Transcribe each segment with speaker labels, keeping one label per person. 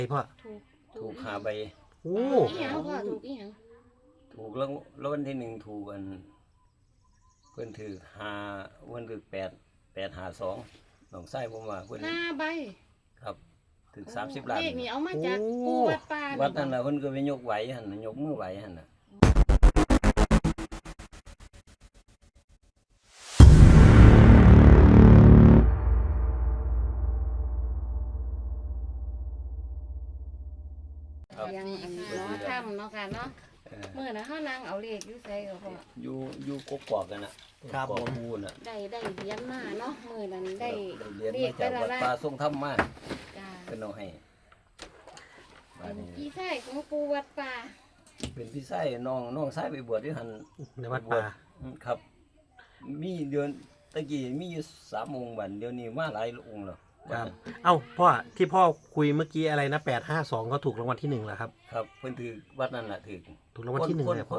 Speaker 1: พ่อ
Speaker 2: ถูก5 ใบ
Speaker 1: โอ้
Speaker 3: อีหยังพ่อถูกอีหยัง
Speaker 2: ถูกแล้ววันที่1ถูกอันเพิ่นถือ5วันถือ852น้องชายผมว่าเพิ่น
Speaker 3: 5 ใบ
Speaker 2: ครับถึง30 ล้าน
Speaker 3: เลขนี่เอามาจากปูวัดป่า
Speaker 2: วัดนั่นน่ะเพิ่นก็ไปยกไหวหั่นน่ะยกมือไหวหั่นน่ะ
Speaker 3: ยังอันล้อถ้ำเนาะค่ะเนาะเมื่อนะเฮานั่งเอาเลขอยู่ไสก็พ่อ
Speaker 2: อยู่กกอกกันน่ะครับผมพูนน่ะ
Speaker 3: ได้เหรียญมาเนาะมื้อนั้นได้
Speaker 2: เหรียญมาจากวัดป่าทรงธรรมมา
Speaker 3: จ้า
Speaker 2: เพิ่นเอาให้
Speaker 3: เป็นพี่ชายของปูวัดป่า
Speaker 2: เป็นพี่ชายน้องชายไปบวชอยู่หั่น
Speaker 1: ในวัดป่า
Speaker 2: ครับมีเดือนตะกี้มีอยู่3 องค์บัดเดี๋ยวนี้มาหลายองค์แล้ว
Speaker 1: ครับเอ้าพ่อที่พ่อคุยเมื่อกี้อะไรนะ852ก็ถูกรางวัลที่1แล้วครับ
Speaker 2: ครับเพิ่นถือวัดนั่นน่ะถูก
Speaker 1: รางวัลที่1เลย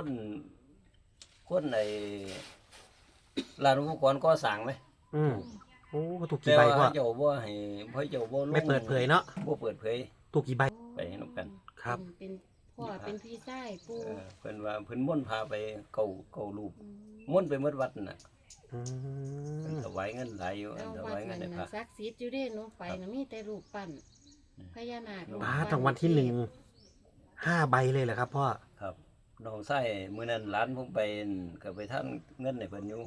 Speaker 2: คนในร้านอุปกรณ์ก่อสร้างไหม
Speaker 1: โอ้ถูกกี่ใบพ่อ
Speaker 2: เจ้าบ่ให้เจ้าบ่
Speaker 1: ไม่เปิดเผยเนาะ
Speaker 2: บ่เปิดเผย
Speaker 1: ถูกกี่ใบ
Speaker 2: ไปนำกัน
Speaker 1: ครับ
Speaker 3: เป็นพ่อเป็นพี่ชายปู
Speaker 2: เพิ่นว่าเพิ่นม่วนพาไปเก่ารูปม่วนไปหมดวัดน่ะถวายเงินหลายอยู่ถวายเงินให้พระ
Speaker 3: ศักดิ์สิทธิ์อยู่เด้หนูไปน่ะมีแต่รูปปั้นพญานาค
Speaker 1: รางวัลที่5 ใบเลยเหรอครับพ่อ
Speaker 2: ครับน้องชายมื้อนั้นหลานผมไปก็ไปทำเงินให้เพิ่นอยู่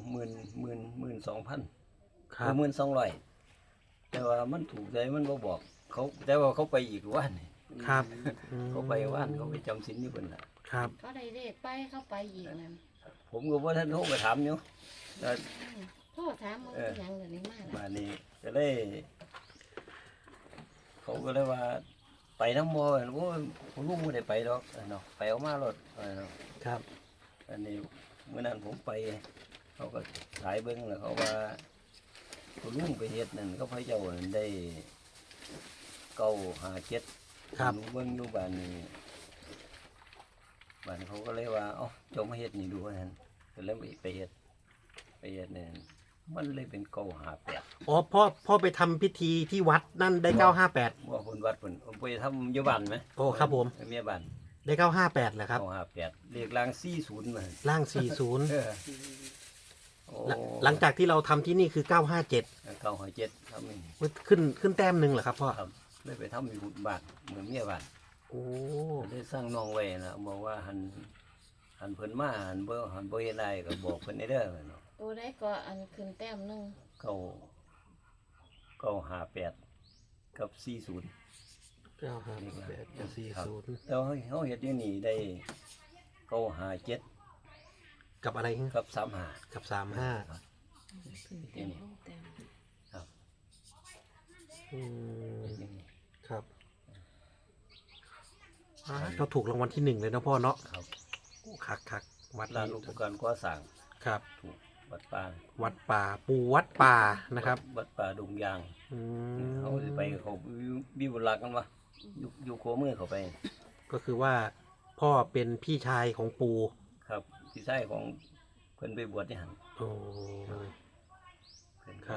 Speaker 2: 12,000ครับ12,000แต่ว่ามันถูกใจมันบ่บอกเขาแต่ว่าเขาไปอีกวัน
Speaker 1: ครับ
Speaker 2: เขาไปวันเขาไปจำศีลอยู่เพิ่นน่ะ
Speaker 1: ครับ
Speaker 3: ก็ได้เลขไปเข้าไปอีกนั่น
Speaker 2: ผมก็บ่ทันโทรไปถามอยู่
Speaker 3: โทรถามว่าหยังเดี๋ยวนี้มา
Speaker 2: บ้านนี้ก็เลยเขาก็เลยว่าไปน้ำมอโอ้ผมลูกไม่ได้ไปหรอกเนาะไปเอามารถเนาะ
Speaker 1: ครับ
Speaker 2: อันนี้เมื่อนั้นผมไปเขาก็สายเบิ้งแล้วเขาว่าผมลูกไปเฮ็ดนั่นเขาพระเจ้าได้957
Speaker 1: ครับ
Speaker 2: เบิ้งอยู่บ้านนี้บ้านเขาก็เลยว่าเอ้าเจ้ามาเฮ็ดนี่ดูว่านั่นก็เลยไปเฮ็ดเนี่ยมันเลยเป็น958
Speaker 1: อ๋อพ่อไปทำพิธีที่วัดนั่นได้958
Speaker 2: ว่าคนวัดผมไปทำอยู่บ้านไหม
Speaker 1: โอ้ครับผม
Speaker 2: เมียบ้าน
Speaker 1: ได้958เหรอครับ
Speaker 2: 958เลขล่าง40มา
Speaker 1: ล่าง40หลังจากที่เราทำที่นี่คือ
Speaker 2: 957ทำนี่
Speaker 1: ขึ้นแต้มหนึ่งเหรอครับพ่อ
Speaker 2: ครับได้ไปทำอยู่บ้านเหมือนเมียบ้าน
Speaker 1: โอ้
Speaker 2: ได้สร้างน้องไว้นะบอกว่าหันเพิ่นมาหันบ่เฮ็ดได้ก็บอกเพิ่นได้เด้อเนาะ
Speaker 3: ตัวได้ก็อันขึ้นแต้มนึง
Speaker 2: 958กับ40
Speaker 1: 958กับ40
Speaker 2: แล้วเฮาเฮ็ดอยู่นี่ได้957
Speaker 1: กับอะไร
Speaker 2: กับ35
Speaker 1: กับ35
Speaker 2: ครับนี่ครับ
Speaker 1: ครับเราถูกรางวัลที่1เลยนะพ่อเนาะ
Speaker 2: ครับ
Speaker 1: คัก
Speaker 2: วัดลานอุปกรณ์ก่อสร้าง
Speaker 1: ครับ
Speaker 2: ถูกวัดป่า
Speaker 1: ปูวัดป่านะครับ
Speaker 2: วัดป่าดงยางเขาไปเขาวิวลักกันวะอยู่โคมือเขาไป
Speaker 1: ก็คือว่าพ่อเป็นพี่ชายของปู
Speaker 2: ครับพี่ชายของเพิ่นไปบวชที่หัน
Speaker 1: โอ้
Speaker 2: ครับ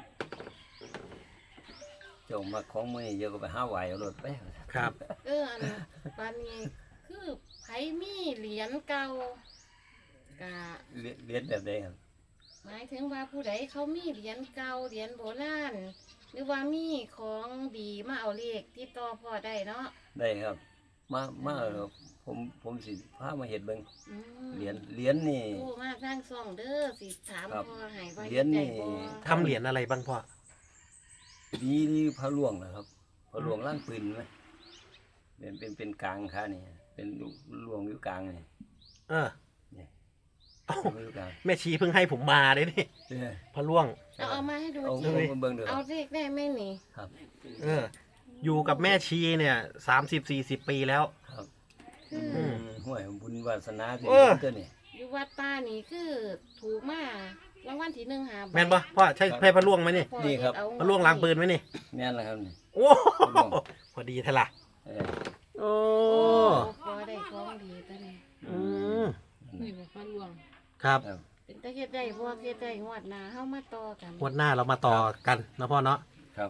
Speaker 2: เจ้ามาของมือเยอะก็ไปหาไหวเอารถไป
Speaker 1: ครับ
Speaker 3: อันปานนี้คือไผมีเหรียญเก่ากะ
Speaker 2: เหรียญแบบใดครับ
Speaker 3: หมายถึงว่าผู้ใดเขามีเหรียญเก่าเหรียญโบราณหรือว่ามีของดีมาเอาเลขที่ต่อพ่อได้เนาะ
Speaker 2: ได้ครับมาผมสิพามาเฮ็ดเบิ่งเหรียญนี่
Speaker 3: โอ้มาสร้างซ่องเด้อสิถามพ่อให้ว่า
Speaker 2: เหรียญนี่
Speaker 1: ทำเหรียญอะไรบ้างพ่อ
Speaker 2: ดีพระหลวงนะครับพระหลวงล่างปืนไหมเป็นกลางค่ะนี่เป็นหลวงอยู่กลางนี่นี่
Speaker 1: แม่ชีเพิ่งให้ผมมาเลยนี่พระล่วง
Speaker 3: เอามาให้ดูเอาเลขได้ไหมนี่
Speaker 2: ครับ
Speaker 1: อยู่กับแม่ชีเนี่ย30-40 ปีแล้ว
Speaker 2: ครับห่วยบุญวาสนาที่เจ้านี่
Speaker 3: อยู่วัดป่านี่คือถูกมารางวัลที่1หา
Speaker 1: แม่นปะพ่อใช่พระล่วงไหมนี่
Speaker 2: นี่ครับ
Speaker 1: พระล่วงล้างปืนไหมนี่
Speaker 2: แม่นแล้วครับนี่
Speaker 1: โอ้พอดีเท่าไหร่โอ้
Speaker 3: พอได้ของดีตัวนี้นี่บอกพระล่วง
Speaker 1: ครับ
Speaker 3: เป็นตะเฮ็ดได้พวกเฮ็ดได้งวดหน้าเฮามาต่อกัน
Speaker 1: งวดหน้าเรามาต่อกันนะพ่อเนาะ
Speaker 2: ครับง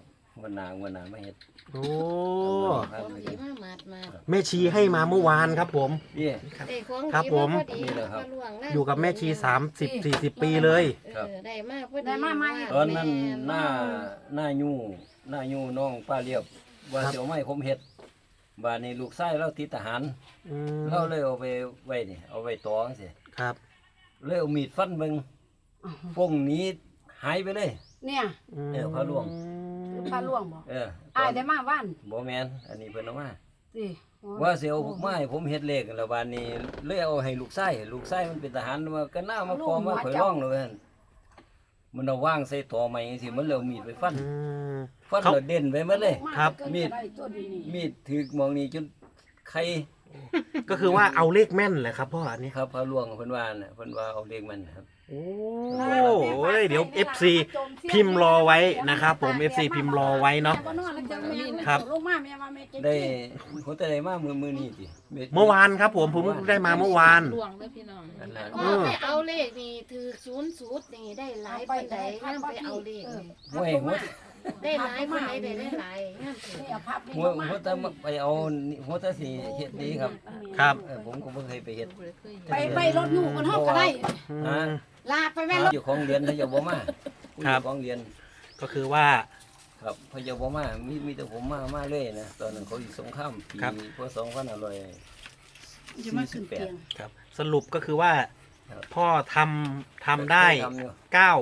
Speaker 2: วันหนาไม่เฮ็ด
Speaker 1: โอ้
Speaker 3: ของดีมาหมาด
Speaker 1: แม่ชีให้มาเมื่อวานครับผม
Speaker 2: นี่
Speaker 3: ได้ของ
Speaker 1: ครับ
Speaker 3: ดี
Speaker 1: ผม
Speaker 3: พอดี
Speaker 2: นี่แหละครับ
Speaker 3: พะหลวงนั่น
Speaker 1: อยู่กับแม่ชี30-40 ปีเลย
Speaker 2: ครับ
Speaker 3: ได้มาพอดี
Speaker 4: ได้มาใหม่
Speaker 2: ตอนนั้นหน้ายู่น้องป้าเรียบว่า
Speaker 1: ครับ
Speaker 2: เสียวไม่ผมเฮ็ดบาดนี้ลูกชายเราติดทหาร
Speaker 1: อืม
Speaker 2: เราเลยเอาไปไว้นี่เอาไว้ตอจังซี่
Speaker 1: ครับ
Speaker 2: เลยเอามีดฟันเบิ่งพงหนี้หายไปเลย
Speaker 4: เนี่ย
Speaker 2: เออพระหลวง
Speaker 4: พาล่วงบ่
Speaker 2: เออ
Speaker 4: อายได้มาว่าน
Speaker 2: บ่แม่นอันนี้เพิ่นเอามา
Speaker 4: สิ
Speaker 2: ว่าสิเอาพวกไม้ผมเฮ็ดเลขแล้วบาดนี้เลยเอาให้ลูกชายมันเป็นทหารว่าก็น่ามาขอมาข่อยร้องเลยว่าซั่นมันเอาวางใส่ตอไม้จังซี่มันเลยเอามีดไปฟัน
Speaker 1: อืม
Speaker 2: ฟัน
Speaker 1: เขา
Speaker 2: แล้วเด่นไปหมดเลย
Speaker 1: ครับ
Speaker 2: มีด มีดถือมองนี่จนไข่
Speaker 1: ก็คือว่าเอาเลขแม่นแหละครับพ่ออันนี้
Speaker 2: ครับพระหลวงเพิ่นว่าน่ะเพิ่นว่าเอาเลขมันครับ
Speaker 1: โอ้ยเดี๋ยว FC พิมพ์รอไว้นะครับผม FC พิมพ์รอไว้เนาะ ครับ
Speaker 4: ลงมาแม่ว่าแม่เก่ง
Speaker 2: ได้ผมจะได้มามือนี้ติ
Speaker 1: เมื่อวานครับผมได้มาเมื่อวาน
Speaker 5: หลวงเลยพี่น้อง
Speaker 2: นั่นน่ะ
Speaker 3: พ่อไปเอาเลขนี่ถือ00นี่ได้หลายปานใดงามไปเอาเลขนี่
Speaker 2: ห้วยหัว
Speaker 3: ได้หลายปานใดได้หลายงามเถิด
Speaker 4: นี่เอาพับนี่
Speaker 2: หัวหัวตะไปเอาหัวตะสิเฮ็ดดีครับ
Speaker 1: ครับ
Speaker 2: ผมก็บ่เคยไปเฮ็ด
Speaker 4: ไปรถอยู่กันเฮาก็ได้
Speaker 1: อื
Speaker 2: ฮะ
Speaker 1: ม
Speaker 4: ลาไปแม่รถ
Speaker 2: อยู่ของเรียนเขาจะบ่มา
Speaker 1: ครับ
Speaker 2: อยู่ของเรียน
Speaker 1: ก็คือว่า
Speaker 2: ครับเขาจะบ่มามีแต่ผมมาเลยนะตอนนั้นเขาอยู่สงครามปี
Speaker 1: ครับ
Speaker 2: พศ2500
Speaker 4: จะมาขึ้นเตียง
Speaker 1: ครับ สรุปก็คือว่า
Speaker 2: ครับ
Speaker 1: พ่อทำได้
Speaker 2: ทำอยู่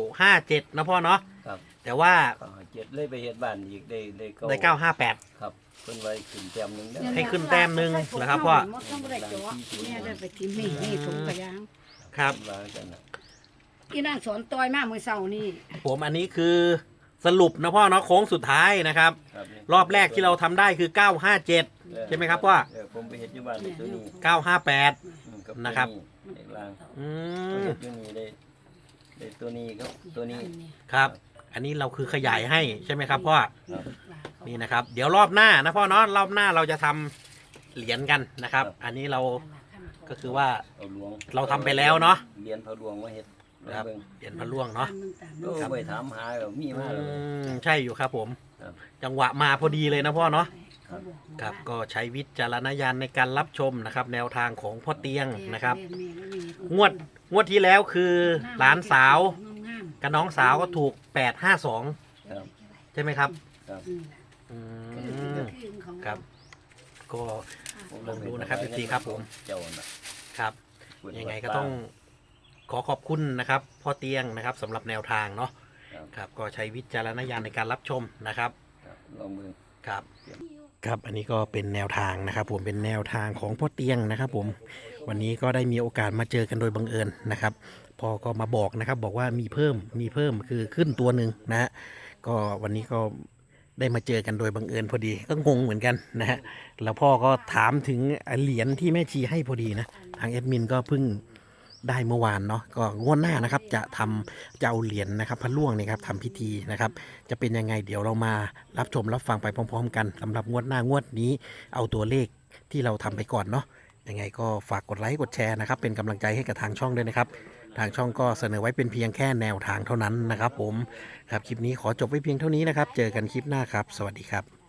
Speaker 1: 957นะพ่อเนาะ
Speaker 2: ครับ
Speaker 1: แต่ว่า
Speaker 2: ก็เจ็ดเลยไปเฮ็ดบ้านอีกได้
Speaker 1: ได้958
Speaker 2: ครับเพิ่นไว้ขึ้นแต้มหนึงเด้อ
Speaker 1: ให้ขึ้นแต้มหนึ่งเหรอครับพ่อ
Speaker 4: มดต้องบ่ได้จ่อแม่ได้ไปทิมนี่ถุงกระยาง
Speaker 1: ครับ
Speaker 2: วางกันน่ะ
Speaker 4: อีนางสอนต่อยมามื้อเช้านี่
Speaker 1: ผมอันนี้คือสรุปนะพ่อเนาะโค้งสุดท้ายนะครับ
Speaker 2: ครับนี่
Speaker 1: รอบแรกที่เราทำได้คือ 957 ใช่ไหมครับพ่อ
Speaker 2: ผมไปเฮ็ดอยู่บ้านตัวนี้
Speaker 1: 958
Speaker 2: กับ
Speaker 1: นะครับ
Speaker 2: เด็กลาง
Speaker 1: อื
Speaker 2: เฮ็
Speaker 1: ม
Speaker 2: ดอยู่นี่ได้ตัวนี้ก็ตัวนี้
Speaker 1: ครับ อันนี้เราคือขยายให้ใช่ไหมครับพ่อ
Speaker 2: ครับ
Speaker 1: นี่นะครับ เดี๋ยวรอบหน้านะพ่อเนาะรอบหน้าเราจะทำเหรียญกันนะครับ อันนี้เราก็คือว่า
Speaker 2: เอาหลวง
Speaker 1: เราทำไปแล้วเนาะ
Speaker 2: เรียนพระหลวงมาเฮ็ด
Speaker 1: ครับ
Speaker 2: เบิ่ง
Speaker 1: เหรียญพระล่วงเนาะ
Speaker 2: โอ้ไปถามหาก็มีมาแล้ว
Speaker 1: ใช่อยู่ครับผม
Speaker 2: ครับ
Speaker 1: จังหวะมาพอดีเลยนะพ่อเนาะ
Speaker 2: ครับ
Speaker 1: ครับก็ใช้วิจารณญาณในการรับชมนะครับ แนวทางของพ่อเตียงนะครับ งวดที่แล้วคือหลานสาวกับน้องสาวก็ถูก852
Speaker 2: ครับ
Speaker 1: ใช่ไหมครับ
Speaker 2: ครับ
Speaker 1: อืมครับ ก็ ลองดูนะครับ FC ครับผม
Speaker 2: เจ้าน่ะ
Speaker 1: ครับยังไงก็ต้องขอขอบคุณนะครับพ่อเตียงนะครับสำหรับแนวทางเนาะ
Speaker 2: ครับ
Speaker 1: ครับก็ใช้วิจารณญาณในการรับชมนะครับ
Speaker 2: ครับลองเบิ่ง
Speaker 1: ครับครับอันนี้ก็เป็นแนวทางนะครับ ผมเป็นแนวทางของพ่อเตียงนะครับ ผมวันนี้ก็ได้มีโอกาสมาเจอกันโดยบังเอิญนะครับพ่อก็มาบอกนะครับ บอกว่ามีเพิ่มคือขึ้นตัวหนึ่งนะฮะก็วันนี้ก็ได้มาเจอกันโดยบังเอิญพอดีก็งงเหมือนกันนะฮะแล้วพ่อก็ถามถึงเหรียญที่แม่ชีให้พอดีนะทางแอดมินก็เพิ่งได้เมื่อวานเนาะก็งวดหน้านะครับจะเอาเหรียญนะครับพระล่วงเนี่ยครับทำพิธีนะครับ จะเป็นยังไงเดี๋ยวเรามารับชมรับฟังไปพร้อมๆกันสำหรับงวดหน้างวดนี้เอาตัวเลขที่เราทำไปก่อนเนาะยังไงก็ฝากกดไลค์กดแชร์นะครับเป็นกำลังใจให้กับทางช่องด้วยนะครับทางช่องก็เสนอไว้เป็นเพียงแค่แนวทางเท่านั้นนะครับผมครับคลิปนี้ขอจบไว้เพียงเท่านี้นะครับเจอกันคลิปหน้าครับสวัสดีครับ